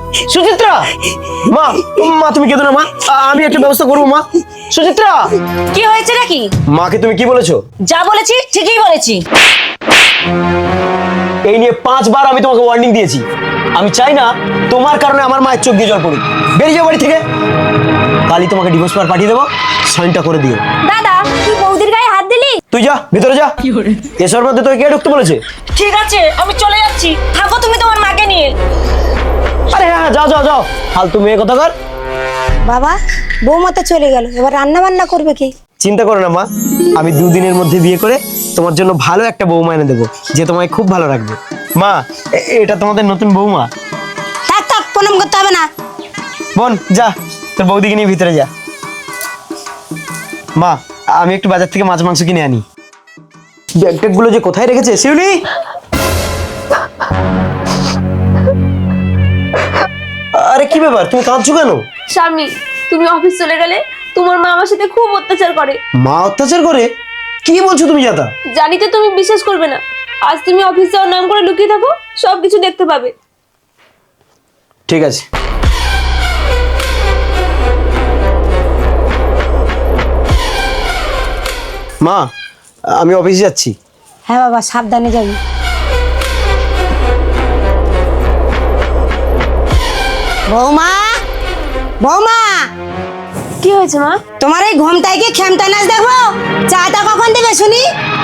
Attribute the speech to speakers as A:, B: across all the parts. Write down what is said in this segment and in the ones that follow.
A: সুচিত্রা, মা মা তুমি কেঁদো না মা, আমি একটা ব্যবস্থা করবো মা। সুচিত্রা,
B: কি হয়েছে নাকি?
A: মাকে তুমি কি বলেছো?
B: যা বলেছি ঠিকই বলেছি।
A: এই নিয়ে 5 বার আমি তোমাকে ওয়ার্নিং দিয়েছি। আমি চাই না তোমার কারণে আমার মায়ের চোখ দিয়ে জল পড়ুক। বেরিয়ে যাও বাড়ি থেকে। কালই তোমাকে ডিভোর্স পেপার পাঠিয়ে দেবো, সাইনটা করে দিও।
B: দাদা তুই বৌদির গায়ে হাত দিলি?
A: তুই যা ভিতরে যা। এসবের মধ্যে তোকে কে ঢুকতে বলেছে?
B: ঠিক আছে আমি চলে যাচ্ছি, থাকো তুমি তোমার মাকে নিয়ে।
A: আরে হ্যাঁ যাও যাও যাও, ফালতু মেয়ে কথা কর।
C: বাবা, বৌমা তো চলে গেল, এবার রান্না বান্না করবে কি?
A: চিন্তা করো না মা, আমি 2 দিনের মধ্যে বিয়ে করে তোমার জন্য ভালো একটা বৌমা এনে দেবো, যে তোমায় খুব ভালো রাখবে। মা এটা তোমাদের নতুন বৌমা।
C: থাক থাক, প্রণাম করতে হবে না।
A: বোন যা, তোর বৌদিকে নিয়ে ভিতরে যা। মা আমি একটু বাজার থেকে মাছ মাংস কিনে আনি। ব্যাগ গুলো যে কোথায় রেখেছে শিউলি। আরে কি ব্যাপার, তুমি কাঁদছো কেন?
D: স্বামী, তুমি অফিস চলে গেলে তোমার মা আমার সাথে খুব অত্যাচার করে।
A: মা অত্যাচার করে? কি বলছো তুমি জাতা?
D: জানি তো তুমি বিশ্বাস করবে না, আজ তুমি অফিস যাওয়ার নাম করে লুকিয়ে থাকো, সবকিছু দেখতে পাবে।
A: ঠিক আছে। মা আমি অফিসে যাচ্ছি।
C: হ্যাঁ বাবা, সাবধানে যাবি। বৌমা, বৌমা,
D: কি হয়েছে মা?
C: তোমার এই ঘুমটাই কি খেমটা নাচ দেখবো? চাটা কখন দেবে শুনি?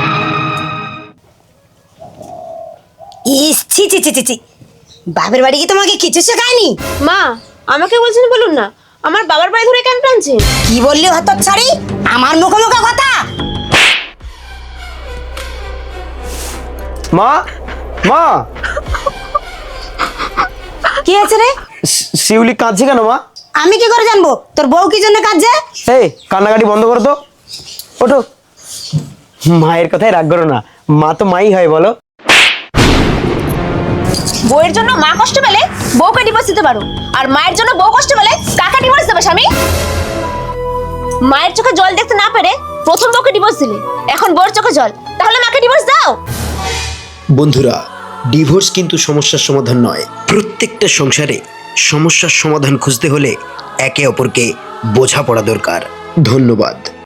C: ইস, ছি ছি ছি ছি ছি, বাপের বাড়ি কি তোমাকে কিছু শেখায়নি?
D: মা আমাকে বলছেন বলুন না, আমার বাবার বাড়ি ধরে কেন টানছেন?
C: কি বললি হতচ্ছাড়ি, আমার মুখে মুখে কথা?
A: মা মা,
C: কি হয়েছে রে?
A: শিউলি কাঁদছে কেন মা?
C: আমি কি করে জানবো? তোর বউ কি জন্য কাঁদছে?
A: এই কান্নাকাটি বন্ধ করো তো, ওঠো। মায়ের কথায় রাগ করো না, মা তো মাই হয় বলো।
B: বউয়ের জন্য মা কষ্ট পেলে বউকে ডিভোর্স দিতে পারো, আর মায়ের জন্য বউ কষ্ট পেলে কাকে ডিভোর্স দেবে স্বামী? মায়ের চোখে জল দেখতে না পেরে প্রথম বউকে ডিভোর্স দিলে, এখন বউর চোখে জল, তাহলে মাকে ডিভোর্স দাও।
E: বন্ধুরা, ডিভোর্স কিন্তু সমস্যার সমাধান নয়। প্রত্যেকটা সংসারে সমস্যার সমাধান খুঁজতে হলে একে অপরকে বোঝাপড়া দরকার। ধন্যবাদ।